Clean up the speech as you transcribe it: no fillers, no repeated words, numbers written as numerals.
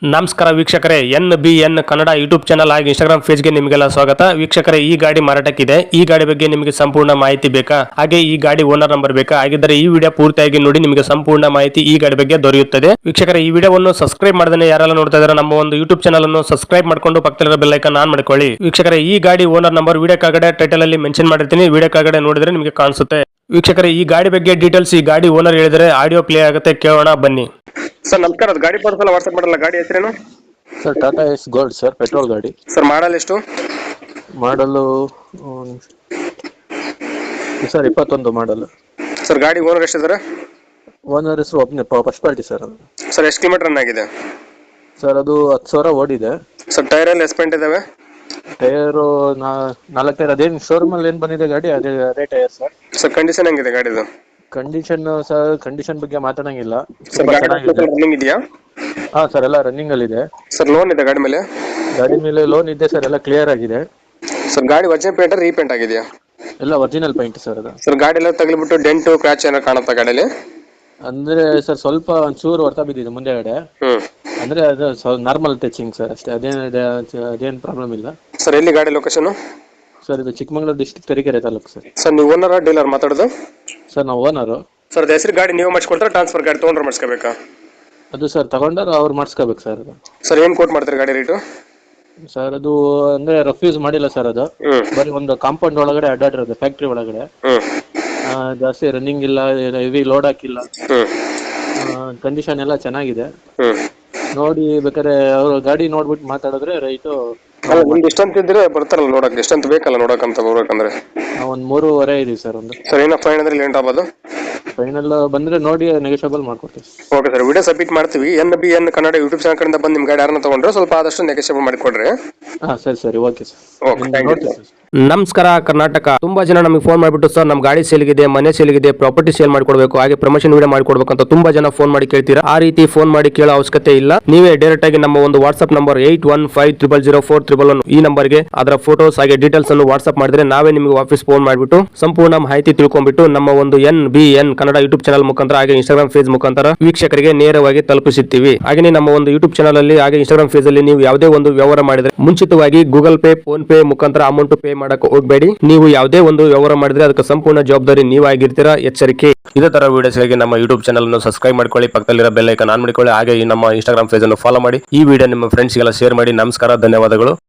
ನಮಸ್ಕಾರ ವೀಕ್ಷಕರೇ, NBN Kannada YouTube channel ಹಾಗೂ ಇನ್ಸ್ಟಾಗ್ರಾಮ್ ಪೇಜ್ಗೆ ನಿಮಗೆಲ್ಲ ಸ್ವಾಗತ. ವೀಕ್ಷಕರೇ, ಈ ಗಾಡಿ ಮಾರಾಟಕ್ಕಿದೆ. ಈ ಗಾಡಿ ಬಗ್ಗೆ ನಿಮಗೆ ಸಂಪೂರ್ಣ ಮಾಹಿತಿ ಬೇಕಾ? ಹಾಗೆ ಈ ಗಾಡಿ ಓನರ್ ನಂಬರ್ ಬೇಕಾ? ಹಾಗಿದ್ದರೆ ಈ ವಿಡಿಯೋ ಪೂರ್ತಿಯಾಗಿ ನೋಡಿ, ನಿಮಗೆ ಸಂಪೂರ್ಣ ಮಾಹಿತಿ ಈ ಗಾಡಿ ಬಗ್ಗೆ ದೊರೆಯುತ್ತದೆ. ವೀಕ್ಷಕರೇ, ಈ ವಿಡಿಯೋವನ್ನು ಸಬ್ಸ್ಕ್ರೈಬ್ ಮಾಡದೇ ಯಾರೆಲ್ಲ ನೋಡ್ತಾ ಇದ್ದಾರೆ ನಮ್ಮ ಒಂದು ಯೂಟ್ಯೂಬ್ ಚಾನಲ್ ಅನ್ನು ಸಬ್ಸ್ಕ್ರೈಬ್ ಮಾಡ್ಕೊಂಡು ಪಕ್ಕದಲ್ಲಿರೋ ಬೆಲ್ ಐಕಾನ್ ಆನ್ ಮಾಡ್ಕೊಳ್ಳಿ. ವೀಕ್ಷಕರೇ, ಈ ಗಾಡಿ ಓನರ್ ನಂಬರ್ ವಿಡಿಯೋ ಕೆಳಗಡೆ ಟೈಟಲ್ ಅಲ್ಲಿ ಮೆನ್ಷನ್ ಮಾಡಿರ್ತೀನಿ. ವಿಡಿಯೋ ಕೆಳಗಡೆ ನೋಡಿದ್ರೆ ನಿಮಗೆ ಕಾಣಿಸುತ್ತೆ. ವೀಕ್ಷಕರೇ, ಈ ಗಾಡಿ ಬಗ್ಗೆ ಡೀಟೇಲ್ಸ್ ಈ ಗಾಡಿ ಓನರ್ ಹೇಳಿದರೆ ಆಡಿಯೋ ಪ್ಲೇ ಆಗುತ್ತೆ, ಕೇಳೋಣ ಬನ್ನಿ. ಸರ್ ನಮಸ್ಕಾರ, ಅದು ಗಾಡಿ ಪರ್ಸಲ್ಲ ವಾಟ್ಸ್ಆಪ್ ಮಾಡಲ್ಲ. ಗಾಡಿ ಹೆಸರೇನು sir? Tata S gold sir, petrol ಗಾಡಿ. ಸರ್ ಮಾಡಲ್ ಎಷ್ಟು? Model sir 21 model. ಸರ್ ಗಾಡಿ ಓನರ್ ಎಷ್ಟಿದ್ದಾರೆ? ಓನರ್ ಹೆಸರು ಒಬ್ಬನೇ, ಫಸ್ಟ್ ಪಾರ್ಟಿ ಸರ್ ಅದು. ಸರ್ ಎಷ್ಟು ಕಿಲೋಮೀಟರ್ ರನ್ ಆಗಿದೆ? ಸರ್ ಅದು 10,000 ಓಡಿದೆ. ಸರ್ ಟೈರ್ ಎಲ್ಲ ಎಸ್ಪೆಂಟ್ ಇದಾವೆ? Tyre 4 tyre. ಅದೇನು ಶೋರೂಮ್ ಅಲ್ಲಿ ಏನ್ ಬಂದಿದೆ ಗಾಡಿ ಅದೇ ಟೈರ್ ಸರ್. ಸರ್ ಕಂಡೀಷನ್ ಹೆಂಗಿದೆ ಗಾಡಿದು? ಕಂಡೀಷನ್ ಸರ್, ಕಂಡೀಷನ್ ಬಗ್ಗೆ ಮಾತಾಡಂಗಿಲ್ಲ. ಸರ್ ರನ್ನಿಂಗ್ ಇದೆಯಾ? ಹಾ ಸರ್, ಎಲ್ಲ ರನ್ನಿಂಗ್ ಅಲ್ಲಿ ಇದೆ. ಸರ್ ಲೋನ್ ಇದೆ ಗಾಡಿ ಮೇಲೆ? ಗಾಡಿ ಮೇಲೆ ಲೋನ್ ಇದೆ ಸರ್, ಎಲ್ಲ ಕ್ಲಿಯರ್ ಆಗಿದೆ. ಸರ್ ಗಾಡಿ ಒರಿಜಿನಲ್ ಪೇಂಟ್ ರೀಪೇಂಟ್ ಆಗಿದೆಯಾ? ಎಲ್ಲ ಒರಿಜಿನಲ್ ಪೇಂಟ್ ಸರ್ ಅದು. ಸರ್ ಗಾಡಿ ಎಲ್ಲ ತಗಲಿಬಿಟ್ಟು ಡೆಂಟು ಕ್ರ್ಯಾಚ್ ಏನೋ ಕಾಣುತ್ತಾ ಗಾಡಿಯಲ್ಲಿ? ಅಂದ್ರೆ ಸರ್ ಸ್ವಲ್ಪ ಒಂಚೂರು ಹೊರತಾ ಬಿದ್ದಿದೆ ಮುಂದೆಗಡೆ. ಅಂದ್ರೆ ಅದು ನಾರ್ಮಲ್ ಟಚಿಂಗ್ ಸರ್ ಅಷ್ಟೇ, ಅದೇನು ಪ್ರಾಬ್ಲಮ್ ಇಲ್ಲ. ಸರ್ ಎಲ್ಲಿ ಗಾಡಿ ಲೊಕೇಶನ್? ಸರ್ ಇದು Chikkamagaluru district Tarikere taluk sir. Sir ನೀವು ಓನರ್ ಡೀಲರ್ ಮಾತಾಡೋದು? ಸರ್ ನಾವು ಓನರು. ಸರ್ ಹೆಸರು ಗಾಡಿ ನೀವು ಮಾಡಿಸ್ಕೊಡ್ತಾರೆ, ಟ್ರಾನ್ಸ್ಫರ್ ಗಾಡಿ ತೊಗೊಂಡ್ರೆ ಮಾಡಿಸ್ಕೋಬೇಕಾ? ಅದು ಸರ್ ತಗೊಂಡಾರ ಅವ್ರು ಮಾಡಿಸ್ಕೋಬೇಕು ಸರ್ ಅದು. ಸರ್ ಏನು ಕೋಟ್ ಮಾಡ್ತಾರೆ ಗಾಡಿ ರೇಟು? ಸರ್ ಅದು ಅಂದ್ರೆ ರಫ್ಯೂಸ್ ಮಾಡಿಲ್ಲ ಸರ್ ಅದು. ಬರೀ ಒಂದು ಕಾಂಪೌಂಡ್ ಒಳಗಡೆ ಅಡ್ಡಾಡಿರೋದು, ಫ್ಯಾಕ್ಟ್ರಿ ಒಳಗಡೆ. ಜಾಸ್ತಿ ರನ್ನಿಂಗ್ ಇಲ್ಲ, ಹೆವಿ ಲೋಡ್ ಹಾಕಿಲ್ಲ. ಕಂಡೀಷನ್ ಎಲ್ಲ ಚೆನ್ನಾಗಿದೆ. ನೋಡಿ ಬೇಕಾದ್ರೆ ಅವರು ಗಾಡಿ ನೋಡ್ಬಿಟ್ಟು ಮಾತಾಡಿದ್ರೆ ರೈಟು. ಎಷ್ಟಂತ ಇದ್ರೆ ಬರ್ತಾರಲ್ಲ ನೋಡಕ್, ಎಷ್ಟಂತ ಬೇಕಲ್ಲ ನೋಡಕಂತ ಬರ್ಬೇಕಂದ್ರೆ? ಒಂದು 3.5 ಇದೀವಿ ಸರ್ ಒಂದು. ಸರ್ ಏನೋ ಫೈನ್ ಅಂದ್ರೆ ಲೇಟ್ ಆಗ್ಬೋದು? ಫೈನಲ್ ಬಂದ್ರೆ ನೋಡಿ ನೆಗೋಷಿಯಬಲ್ ಮಾಡ್ಕೊಡ್ತೀವಿ. ಓಕೆ ಸರ್, ವಿಡಿಯೋ ಸಬ್ಮಿಟ್ ಮಾಡ್ತೀವಿ. NBN ಕನ್ನಡ ಯೂಟ್ಯೂಬ್ ಚಾನಲ್ ಕಡೆಯಿಂದ ಬಂದು ನಿಮ್ಮ ಗಾಡಿ ಯಾರನ್ನ ತಗೊಂಡ್ರೆ ಸ್ವಲ್ಪ ಆದಷ್ಟು ನೆಗೋಷಿಯಬಲ್ ಮಾಡಿಕೊಡ್ರಿ. ಹಾ ಸರಿ okay sir. Okay, thank you sir. ನಮಸ್ಕಾರ ಕರ್ನಾಟಕ. ತುಂಬಾ ಜನ ನಮಗೆ ಫೋನ್ ಮಾಡಿಬಿಟ್ಟು ಸರ್ ನಮ್ಮ ಗಾಡಿ ಸೇಲ್ಗಿದೆ, ಮನೆ ಸೇಲ್ಗಿದೆ, ಪ್ರಾಪರ್ಟಿ ಸೇಲ್ ಮಾಡಿಕೊಡ್ಬೇಕು, ಹಾಗೆ ಪ್ರಮೋಷನ್ ವಿಡಿಯೋ ಮಾಡಿಕೊಡ್ಬೇಕು ಅಂತ ತುಂಬಾ ಜನ ಫೋನ್ ಮಾಡಿ ಕೇಳ್ತೀರಾ. ಆ ರೀತಿ ಫೋನ್ ಮಾಡಿ ಕೇಳೋ ಅವಶ್ಯಕತೆ ಇಲ್ಲ. ನೀವೇ ಡೈರೆಕ್ಟ್ ಆಗಿ ನಮ್ಮ ಒಂದು ವಾಟ್ಸ್ಆಪ್ ನಂಬರ್ 81500411 ಈ ನಂಬರ್ಗೆ ಅದರ ಫೋಟೋಸ್ ಹಾಗೆ ಡೀಟೇಲ್ಸ್ ಅನ್ನು ವಾಟ್ಸ್ಆಪ್ ಮಾಡಿದ್ರೆ ನಾವೇ ನಿಮಗೆ ವಾಪಸ್ ಫೋನ್ ಮಾಡಿಬಿಟ್ಟು ಸಂಪೂರ್ಣ ಮಾಹಿತಿ ತಿಳ್ಕೊಂಡ್ಬಿಟ್ಟು ನಮ್ಮ ಒಂದು NBN ಕನ್ನಡ ಯೂಟ್ಯೂಬ್ ಚಾನಲ್ ಮುಖಾಂತರ ಹಾಗೆ ಇನ್ಸ್ಟಾಗ್ರಾಮ್ ಪೇಜ್ ಮುಖಾಂತರ ವೀಕ್ಷಕರಿಗೆ ನೇರವಾಗಿ ತಲುಪಿಸುತ್ತೀವಿ. ಹಾಗೆ ನಮ್ಮ ಒಂದು ಯೂಟ್ಯೂಬ್ ಚಾನಲ್ ಅಲ್ಲಿ ಹಾಗೆ ಇನ್ಸ್ಟಾಗ್ರಾಮ್ ಪೇಜ್ ಅಲ್ಲಿ ನೀವು ಯಾವುದೇ ಒಂದು ವ್ಯವಹಾರ ಮಾಡಿದ್ರೆ ಮುಂಚಿತವಾಗಿ ಗೂಗಲ್ ಪೇ, ಫೋನ್ ಪೇ ಮುಖಾಂತರ ಅಮೌಂಟ್ ಪೇ ಮಾಡಕ್ಕೆ ಹೋಗಬೇಡಿ. ನೀವು ಯಾವುದೇ ಒಂದು ವ್ಯವಹಾರ ಮಾಡಿದ್ರೆ ಅದಕ್ಕೆ ಸಂಪೂರ್ಣ ಜವಾಬ್ದಾರಿ ನೀವಾಗಿರ್ತೀರಾ, ಎಚ್ಚರಿಕೆ. ಇದೇ ತರ ವಿಡಿಯೋಸ್ಗಾಗಿ ನಮ್ಮ ಯೂಟ್ಯೂಬ್ ಚಾನಲ್ ಅನ್ನು ಸಬ್ಸ್ಕ್ರೈಬ್ ಮಾಡ್ಕೊಳ್ಳಿ, ಪಕ್ಕದಲ್ಲಿರೋ ಬೆಲ್ ಐಕಾನ್ ಆನ್ ಮಾಡಿಕೊಳ್ಳಿ, ಹಾಗೆ ಈ ನಮ್ಮ ಇನ್ಸ್ಟಾಗ್ರಾಮ್ ಪೇಜ್ ಅನ್ನು ಫಾಲೋ ಮಾಡಿ. ಈ ವಿಡಿಯೋ ನಿಮ್ಮ ಫ್ರೆಂಡ್ಸ್ಗೆಲ್ಲ ಶೇರ್ ಮಾಡಿ. ನಮಸ್ಕಾರ, ಧನ್ಯವಾದಗಳು.